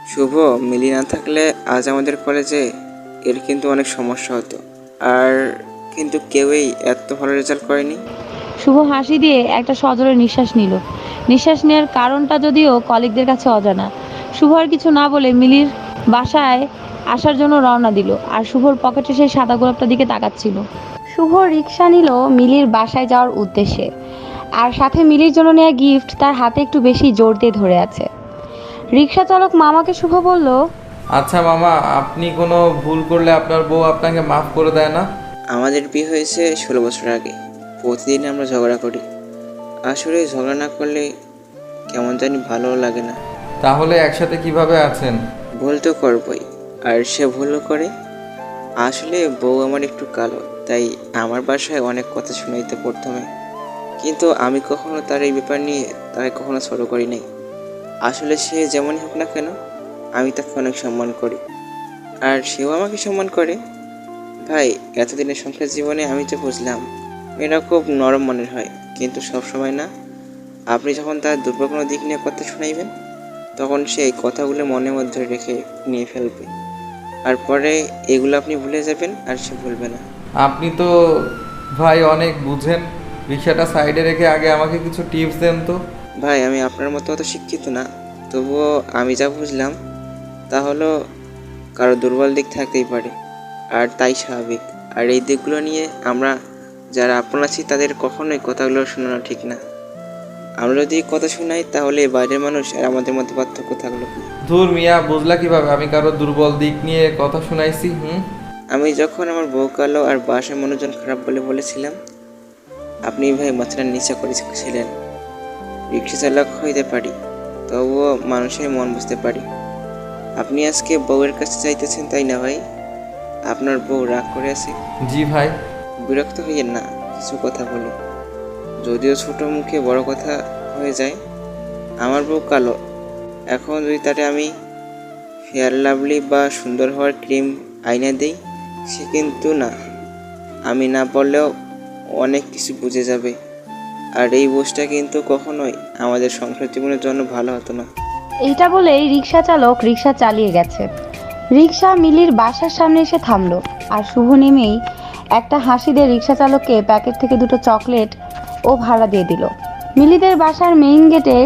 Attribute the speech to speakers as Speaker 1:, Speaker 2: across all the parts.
Speaker 1: শুভ, মিলি না থাকলে আজ আমাদের কলেজে এর কিন্তু অনেক সমস্যা হতো। আর কিন্তু কেউই এত ভালো রেজাল্ট করেনি।
Speaker 2: শুভ হাসি দিয়ে একটা সজোরে নিঃশ্বাস নিল। নিঃশ্বাস নেওয়ার কারণটা যদিও কলিগদের কাছে অজানা। শুভ আর কিছু না বলে মিলির বাসায় আসার জন্য রওনা দিল। আর শুভর পকেটে সেই সাদা গোলাপটার দিকে তাকাচ্ছিল। শুভ রিক্সা নিল মিলির বাসায় যাওয়ার উদ্দেশ্যে। আর সাথে মিলির জন্য নেওয়া গিফট তার হাতে একটু বেশি জোর দিয়ে ধরে আছে। রিক্সা চালক মামাকে শুভ বলল,
Speaker 3: আচ্ছা মামা, আপনি কোনো ভুল করলে আপনার বউ আপনাকে মাফ করে দেয় না?
Speaker 1: আমাদের বিয়ে হয়েছে 16 বছর আগে। প্রতিদিন আমরা ঝগড়া করি। আসলে ঝগড়া না করলে কেমন জানি ভালো লাগে না।
Speaker 3: তাহলে একসাথে কিভাবে আছেন?
Speaker 1: ভুল তো করবই, আর সে ভুলও করে। আসলে বউ আমার একটু কালো, তাই আমার বাসায় অনেক কথা শোনাইতে প্রথমে। কিন্তু আমি কখনো তার এই ব্যাপার নিয়ে তাকে কখনো ছোটো করি নাই। আসলে সে যেমনই হোক না কেন, আমি তাকে অনেক সম্মান করি, আর সেও আমাকে সম্মান করে। ভাই, এতদিনের সংসার জীবনে আমি তো বুঝলাম মেয়েরা খুব নরম মনের হয়, কিন্তু সব সময় না। আপনি যখন তার দুর্বল কোনো দিক নিয়ে কথা শোনাইবেন, তখন সে এই কথাগুলো মনের মধ্যে রেখে নিয়ে ফেলবে। আর পরে এগুলো আপনি ভুলে যাবেন, আর সে ভুলবে না।
Speaker 3: আপনি তো ভাই অনেক বুঝেন। রিক্সাটা সাইডে রেখে আগে আমাকে কিছু টিপস দেন তো।
Speaker 1: ভাই, আমি আপনার মতো অত শিক্ষিত না, তবুও আমি যা বুঝলাম তা হলো কারো দুর্বল দিক থাকতেই পারে, আর তাই স্বাভাবিক। আর এই দিকগুলো নিয়ে আমরা যারা আপন আছি তাদের কখনোই কথাগুলো শোনানো ঠিক না। আমরা যদি কথা শোনাই তাহলে বাইরের মানুষ আর আমাদের মধ্যে পার্থক্য থাকলো।
Speaker 3: ধুর মিয়া, বুঝলা কিভাবে আমি কারো দুর্বল দিক নিয়ে কথা শুনাইছি?
Speaker 1: আমি যখন আমার বউ কালো আর বাসায় মনোজন খারাপ বলে বলেছিলাম, আপনি ভাই মাথাটা নিচা করেছিলেন। রিক্সা চালক হইতে পারি, তবুও মানুষের মন বুঝতে পারি। আপনি আজকে বউয়ের কাছে চাইতেছেন, তাই না ভাই? আপনার বউ রাগ করে আছে?
Speaker 3: জি ভাই।
Speaker 1: বিরক্ত হইয়েন না, কিছু কথা বলি। যদিও ছোট মুখে বড় কথা হয়ে যায়। আমার বউ কালো, এখন যদি তারে আমি ফেয়ার লাভলি বা সুন্দর হওয়ার ক্রিম আইনা দেই, সে কিন্তু না, আমি না বললেও অনেক কিছু বুঝে যাবে। আর এই বোঝটা কিন্তু কখনোই আমাদের সংসার জীবনের জন্য ভালো হতো না।
Speaker 2: এইটা বলেই রিক্সা চালক রিক্সা চালিয়ে গেছে। রিক্সা মিলির বাসার সামনে এসে থামলো। আর শুভ নেমেই একটা হাসি দিয়ে রিক্সা চালককে প্যাকেট থেকে দুটো চকলেট ও ভাড়া দিয়ে দিল। মিলিদের বাসার মেইন গেটে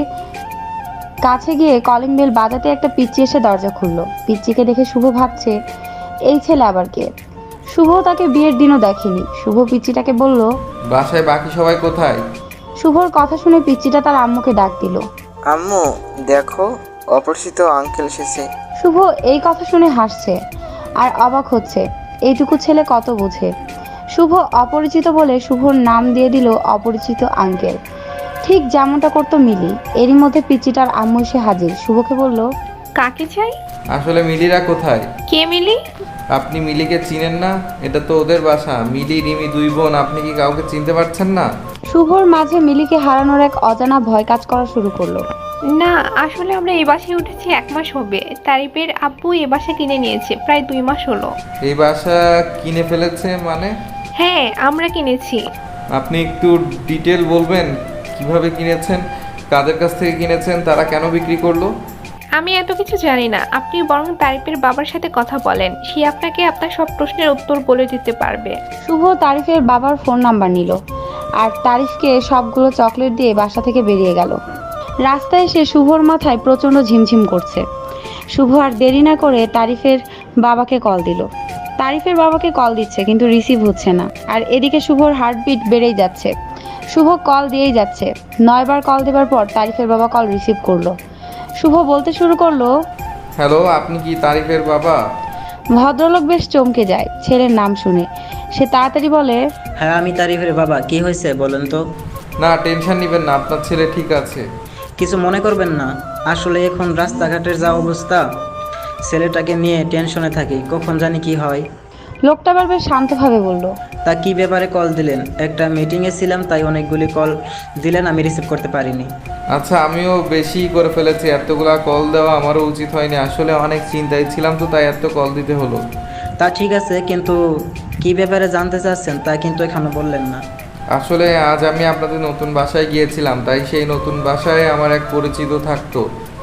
Speaker 2: কাছে গিয়ে কলিং বেল বাজাতে একটা পিচ্চি এসে দরজা খুললো। পিচ্চিকে দেখে শুভ ভাবছে, এই ছেলে আবার কে? শুভ তাকে বিয়ের দিনও দেখেনি। শুভ পিচ্চিটাকে বলল,
Speaker 3: বাসায় বাকি সবাই কোথায়?
Speaker 2: শুভর কথা শুনে পিচ্চিটা তার আম্মুকে ডাক দিল।
Speaker 1: আম্মু, দেখো, অপরিচিত আঙ্কেল এসেছে।
Speaker 2: শুভ এই কথা শুনে হাসছে আর অবাক হচ্ছে, এইটুকু ছেলে কত বোঝে। শুভ অপরিচিত বলে শুভর নাম দিয়ে দিল অপরিচিত আঙ্কেল, ঠিক যেমনটা করতো মিলি। এরই মধ্যে পিচ্চিটার আম্মু এসে হাজির। শুভকে বলল,
Speaker 4: কাকে চাই?
Speaker 3: আসলে মিলিরা কোথায়?
Speaker 4: কে মিলি?
Speaker 3: আপনি মিলিকে চিনেন না? এটা তো ওদের বাসা। মিলি রিমি দুই বোন, আপনি কি কাউকে চিনতে পারছেন না?
Speaker 2: শুভর মাঝে মিলিকে হারানোর এক অজানা ভয় কাজ করা শুরু করলো।
Speaker 4: না, আসলে আমরা এই বাসায় উঠেছি 1 মাস হবে। তারিফের আব্বু এ বাসা কিনে নিয়েছে, প্রায় 2 মাস হলো।
Speaker 3: এই বাসা কিনে ফেলেছে মানে?
Speaker 4: হ্যাঁ, আমরা কিনেছি।
Speaker 3: আপনি একটু ডিটেল বলবেন, কিভাবে কিনেছেন, কাদের কাছ থেকে কিনেছেন, তারা কেন বিক্রি করলো?
Speaker 4: আমি এত কিছু জানি না, আপনি বরং তারিফের বাবার সাথে কথা বলেন, সে আপনাকে আপনার সব প্রশ্নের উত্তর বলে দিতে পারবে।
Speaker 2: শুভ তারিফের বাবার ফোন নাম্বার নিল আর তারিফকে সবগুলো চকলেট দিয়ে বাসা থেকে বেরিয়ে গেল। রাস্তায় এসে শুভর মাথায় প্রচণ্ড ঝিমঝিম করছে। শুভ আর দেরি না করে তারিফের বাবাকে কল দিল। তারিফের বাবাকে কল দিচ্ছে কিন্তু রিসিভ হচ্ছে না। আর এদিকে শুভর হার্টবিট বেড়েই যাচ্ছে। শুভ কল দিয়েই যাচ্ছে। 9বার কল দেবার পর তারিফের বাবা কল রিসিভ করলো। শুভ বলতে শুরু করলো,
Speaker 3: হ্যালো, আপনি কি তারিফের বাবা?
Speaker 2: ভদ্রলোক বেশ চমকে যায় ছেলের নাম শুনে। সে তাড়াতাড়ি বলে,
Speaker 5: হ্যাঁ, আমি তারিফের বাবা। কি হয়েছে বলেন তো?
Speaker 3: না, টেনশন নেবেন না, আপনার ছেলে ঠিক আছে।
Speaker 5: কিছু মনে করবেন না, আসলে এখন রাস্তাঘাটের যা অবস্থা, ছেলেটাকে নিয়ে টেনশনে থাকি, কখন জানি কি হয়।
Speaker 2: লোকটা আবার বেশ শান্তভাবে বলল,
Speaker 5: তা কি ব্যাপারে কল দিলেন? একটা মিটিংয়ে ছিলাম, তাই অনেকগুলি কল দিলেন, আমি রিসিভ করতে পারিনি।
Speaker 3: আচ্ছা, আমিও বেশি করে ফেলেছি, এতগুলা কল দেওয়া আমারও উচিত হয়নি। আসলে অনেক চিন্তায় ছিলাম তো, তাই এত কল দিতে হলো।
Speaker 5: তা ঠিক আছে, কিন্তু কি ব্যাপারে জানতে চাচ্ছেন তা কিন্তু এখানে বললেন না।
Speaker 3: আসলে আজ আমি আপনাদের নতুন বাসায় গিয়েছিলাম, তাই সেই নতুন বাসায় আমার এক পরিচিত থাকতো।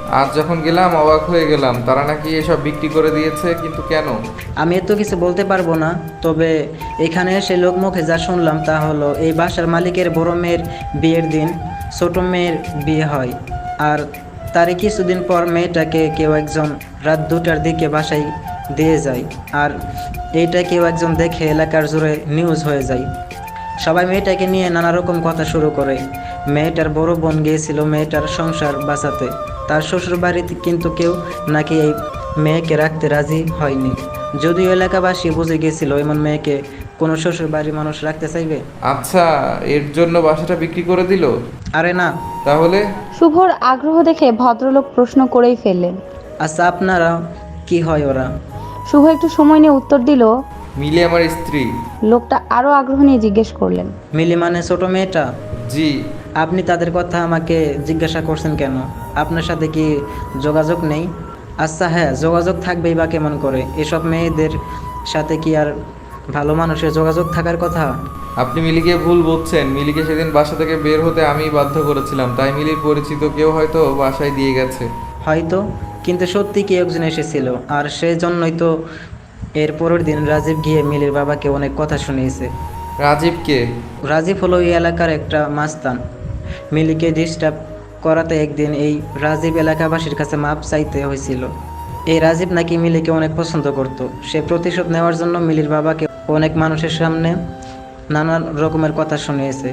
Speaker 3: আজ যখন গেলাম অবাক হয়ে গেলাম, তারা নাকি এসব বিক্রি করে দিয়েছে, কিন্তু কেন?
Speaker 5: আমি তো কিছু বলতে পারবো না, তবে এখানে এসে লোকমুখে যা শুনলাম তা হলো এই বাসার মালিকের বড় মেয়ের বিয়ের দিন ছোট মেয়ের বিয়ে হয়, আর তারই কিছুদিন পর মেয়েটাকে কেউ একজন রাত 2টার দিকে বাসায় দিয়ে যায়, আর এইটা কেউ একজন দেখে এলাকার জুড়ে নিউজ হয়ে যায়। সবাই মেয়েটাকে নিয়ে নানা রকম কথা শুরু করে। মেয়েটার বড় বোন গিয়েছিল মেয়েটার সংসার বাঁচাতে, তার শ্বশুর বাড়িতে কিন্তু কেউ নাকি এই মেয়েকে রাখতে রাজি হয়নি। যদিও এলাকাবাসী বুঝে গিয়েছিল এমন মেয়েকে কোনো শ্বশুর বাড়ির মানুষ রাখতে চাইবে।
Speaker 3: আচ্ছা, এর জন্য বাসাটা বিক্রি করে দিল?
Speaker 5: আরে না।
Speaker 3: তাহলে?
Speaker 2: শুভর আগ্রহ দেখে ভদ্রলোক প্রশ্ন করেই ফেললেন।
Speaker 5: আচ্ছা, আপনারা কি হয় ওরা?
Speaker 2: শুভ একটু সময় নিয়ে উত্তর দিল।
Speaker 3: মিলি আমার স্ত্রী।
Speaker 2: লোকটা আরও আগ্রহ নিয়ে জিজ্ঞেস করলেন।
Speaker 5: মিলি মানে ছোট মেয়েটা?
Speaker 3: জি।
Speaker 5: আপনি তাদের কথা আমাকে জিজ্ঞাসা করছেন কেন? আপনার সাথে কি যোগাযোগ নেই? আচ্ছা হ্যাঁ, যোগাযোগ থাকবেই বা কেমন করে? এসব মেয়েদের সাথে কি আর ভালো মানুষের যোগাযোগ থাকার কথা?
Speaker 3: আপনি মিলিকে ভুল বুঝছেন। মিলিকে সেদিন বাসা থেকে বের হতে আমিই বাধ্য করেছিলাম, তাই মিলির পরিচিত কেউ হয়তো বাসায় দিয়ে গেছে।
Speaker 5: হয়তো, কিন্তু সত্যি কি একজন এসেছিল, আর সেই জন্যই তো এর পরের দিন রাজীব গিয়ে মিলির বাবাকে অনেক কথা শুনিয়েছে।
Speaker 3: রাজীবকে?
Speaker 5: রাজীব হলো এই এলাকার একটা মাস্তান। মিলিকে ডিস্টার্ব করাতে একদিন এই রাজীব এলাকাবাসীর কাছে মাপ চাইতে হয়েছিল। এই রাজীব নাকি মিলিকে অনেক পছন্দ করত। সে প্রতিশোধ নেওয়ার জন্য মিলির বাবাকে অনেক মানুষের সামনে নানা রকমের কথা শুনিয়েছে।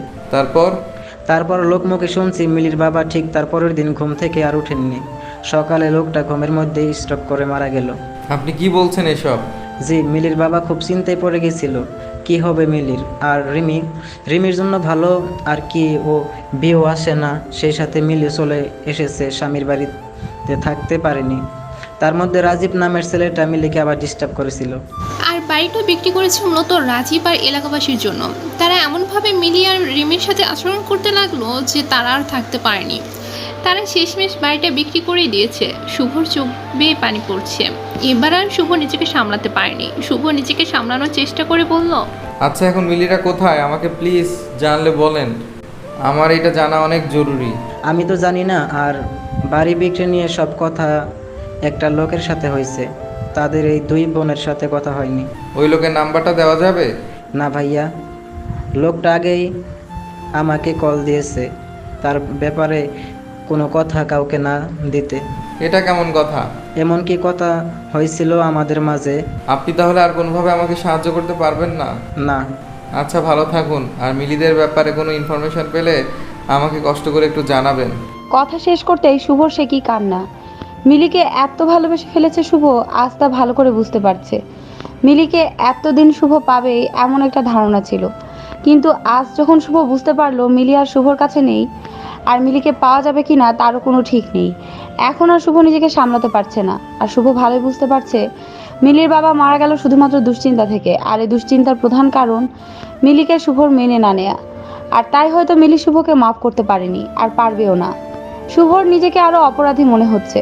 Speaker 5: তারপর লোকমুখে শুনছি মিলির বাবা ঠিক তার পরের দিন ঘুম থেকে আর উঠেননি। সকালে লোকটা ঘুমের মধ্যেই স্ট্রোক করে মারা গেল।
Speaker 3: আপনি কি বলছেন এসব?
Speaker 5: জি, মিলির বাবা খুব চিন্তায় পড়ে গেছিল কি হবে মিলির। আর রিমির জন্য ভালো আর কি, ও বিয়েও আসে না, সেই সাথে মিলি চলে এসেছে স্বামীর বাড়িতে, থাকতে পারেনি। তার মধ্যে রাজীব নামের ছেলেটা মিলিকে আবার ডিস্টার্ব করেছিল।
Speaker 6: আর বাড়িটা বিক্রি করেছে মূলত রাজীব আর এলাকাবাসীর জন্য। তারা এমনভাবে মিলি আর রিমির সাথে আচরণ করতে লাগলো যে তারা আর থাকতে পারেনি। তারা শেষমেশ বাড়িটা বিক্রি করে দিয়েছে। শুভর চোখ বেয়ে পানি পড়ছে। এবার আর শুভ নিজেকে সামলাতে পারেনি। শুভ নিজেকে সামলানোর চেষ্টা করে বলল,
Speaker 3: আচ্ছা, এখন মিলিরা কোথায়? আমাকে প্লিজ জানলে বলেন, আমার এটা জানা অনেক জরুরি।
Speaker 5: আমি তো জানি না, আর বাড়ি বিক্রি নিয়ে সব কথা একটা লোকের সাথে হয়েছে, তাদের এই 2 বোনের সাথে কথা হয়নি।
Speaker 3: ওই লোকের নাম্বারটা দেওয়া যাবে?
Speaker 5: না ভাইয়া, লোকটা আগেই আমাকে কল দিয়েছে তার ব্যাপারে কোনো কথা কাউকে না দিতে।
Speaker 3: এটা কেমন কথা?
Speaker 5: এমনকি কথা হয়েছিল আমাদের মাঝে।
Speaker 3: আপনি তাহলে আর কোনোভাবে আমাকে সাহায্য করতে পারবেন না?
Speaker 5: না।
Speaker 3: আচ্ছা, ভালো থাকুন। আর মিলিদের ব্যাপারে কোনো ইনফরমেশন পেলে আমাকে কষ্ট করে একটু জানাবেন।
Speaker 2: কথা শেষ করতেই শুভর সে কি কান্না। মিলিকে এত ভালোবেসে ফেলেছে শুভ, আজ তা ভালো করে বুঝতে পারছে। মিলিকে এতদিন শুভ পাবে এমন একটা ধারণা ছিল, কিন্তু আজ যখন শুভ বুঝতে পারলো মিলি আর শুভর কাছে নেই, আর মিলিকে পাওয়া যাবে কি না তারও কোনো ঠিক নেই। এখন আর শুভ নিজেকে সামলাতে পারছে না। আর শুভ ভালোই বুঝতে পারছে মিলির বাবা মারা গেল শুধুমাত্র দুশ্চিন্তা থেকে, আর এই দুশ্চিন্তার প্রধান কারণ মিলিকে শুভর মেনে না নেয়া। আর তাই হয়তো মিলি শুভকে মাফ করতে পারেনি, আর পারবেও না। শুভর নিজেকে আরও অপরাধী মনে হচ্ছে।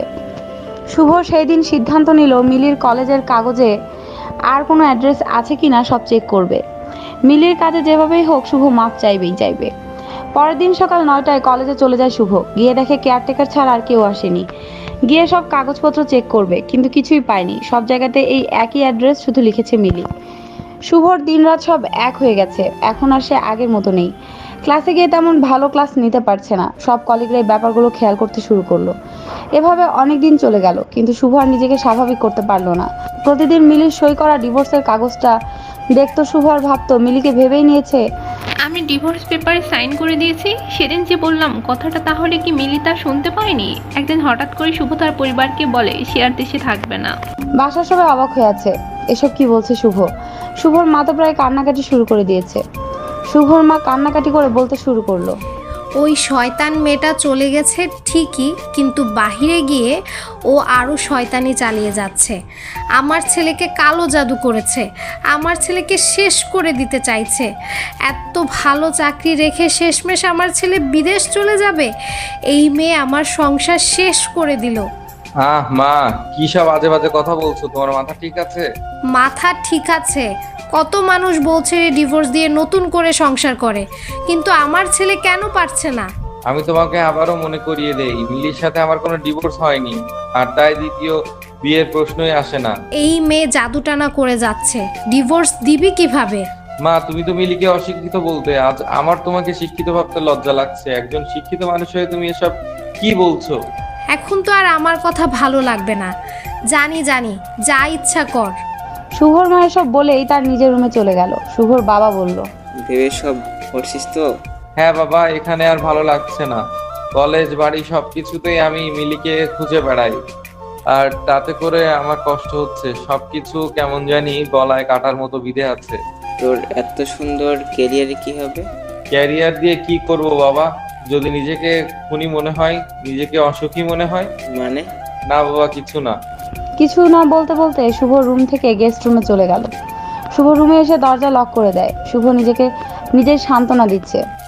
Speaker 2: শুভ সেই দিন সিদ্ধান্ত নিল মিলির কলেজের কাগজে আর কোনো অ্যাড্রেস আছে কি না সব চেক করবে। মিলির কাজে যেভাবেই হোক শুভ মাপ চাইবে। পরের দিন সকাল 9টায় কলেজে চলে যায় শুভ। গিয়ে দেখে কেয়ারটেকার ছাড়া আর কেউ আসেনি। গিয়ে সব কাগজপত্র চেক করবে, কিন্তু কিছুই পায়নি। সব জায়গাতে এই একই অ্যাড্রেস, শুধু লিখেছে মিলি। শুভর দিনরাত সব এক হয়ে গেছে। এখন আর সে আগের মতো নেই। ক্লাসে গিয়ে তেমন ভালো ক্লাস নিতে পারছে না। সব কলিগরা এই ব্যাপারগুলো খেয়াল করতে শুরু করলো। এভাবে অনেক দিন চলে গেল, কিন্তু শুভ আর নিজেকে স্বাভাবিক করতে পারলো না। প্রতিদিন মিলির সই করা ডিভোর্সের কাগজটা দেখতো শুভ, আর ভাবতো মিলিকে ভেবেই নিয়েছে।
Speaker 4: আমি ডিভোর্স পেপারে সাইন করে দিয়েছি। সেদিন যে বললাম কথাটা, তাহলে কি মিলি তা শুনতে পায়নি? একদিন হঠাৎ করে শুভ তার পরিবারকে বলে সে আর দেশে থাকবে না।
Speaker 2: বাসার সবাই অবাক হয়ে আছে, এসব কি বলছে শুভ। শুভর মা তো প্রায় কান্নাকাটি শুরু করে দিয়েছে। শুভর মা কান্নাকাটি করে বলতে শুরু করলো,
Speaker 7: ওই শয়তান মেয়েটা চলে গেছে ঠিকই, কিন্তু বাহিরে গিয়ে ও আরও শয়তানি চালিয়ে যাচ্ছে। আমার ছেলেকে কালো জাদু করেছে, আমার ছেলেকে শেষ করে দিতে চাইছে। এত ভালো চাকরি রেখে শেষমেশ আমার ছেলে বিদেশ চলে যাবে। এই মেয়ে আমার সংসার শেষ করে দিল।
Speaker 3: মা, কি সব আজে বাজে কথা বলছো? তোমার মাথা ঠিক আছে?
Speaker 7: মাথা ঠিক আছে। কত মানুষ বলছে ডিভোর্স দিয়ে নতুন করে সংসার করে, কিন্তু আমার ছেলে কেন পারছে না?
Speaker 3: আমি তোমাকে আবারও মনে করিয়ে দেই, মিলির সাথে আমার কোনো ডিভোর্স হয়নি, আর তাই দ্বিতীয় বিয়ের প্রশ্নই আসে না।
Speaker 7: এই মেয়ে জাদুটানা করে যাচ্ছে, ডিভোর্স দিবি কিভাবে?
Speaker 3: মা, তুমি তো মিলিকে অশিক্ষিত বলতে, আজ আমার তোমাকে শিক্ষিত ভাবতে লজ্জা লাগছে। একজন শিক্ষিত মানুষ হয়ে তুমি এসব কি বলছো?
Speaker 7: এখন তো আর আমার কথা ভালো লাগবে না। জানি জানি, যা ইচ্ছা কর।
Speaker 2: শুভর মা এসব বলেই তার নিজের রুমে চলে গেল। শুভর বাবা বলল,
Speaker 1: ভেবে সব করছিস তো?
Speaker 3: হ্যাঁ বাবা, এখানে আর ভালো লাগছে না। কলেজ, বাড়ি সবকিছুতেই আমি মিলিকে খুঁজে বেড়াই, আর তাতে করে আমার কষ্ট হচ্ছে। সবকিছু কেমন জানি গলায় কাটার মতো বিঁধে আছে।
Speaker 1: তোর এত সুন্দর কেরিয়ারে কি হবে?
Speaker 3: ক্যারিয়ার দিয়ে কি করব বাবা? যদি নিজেকে খুনি মনে হয়, নিজেকে অসুখী মনে হয়।
Speaker 1: মানে?
Speaker 3: না বাবা, কিছু না।
Speaker 2: কিছু না বলতে বলতে শুভ রুম থেকে গেস্ট রুমে চলে গেল। শুভ রুমে এসে দরজা লক করে দেয়। শুভ নিজেকে নিজের সান্ত্বনা দিচ্ছে।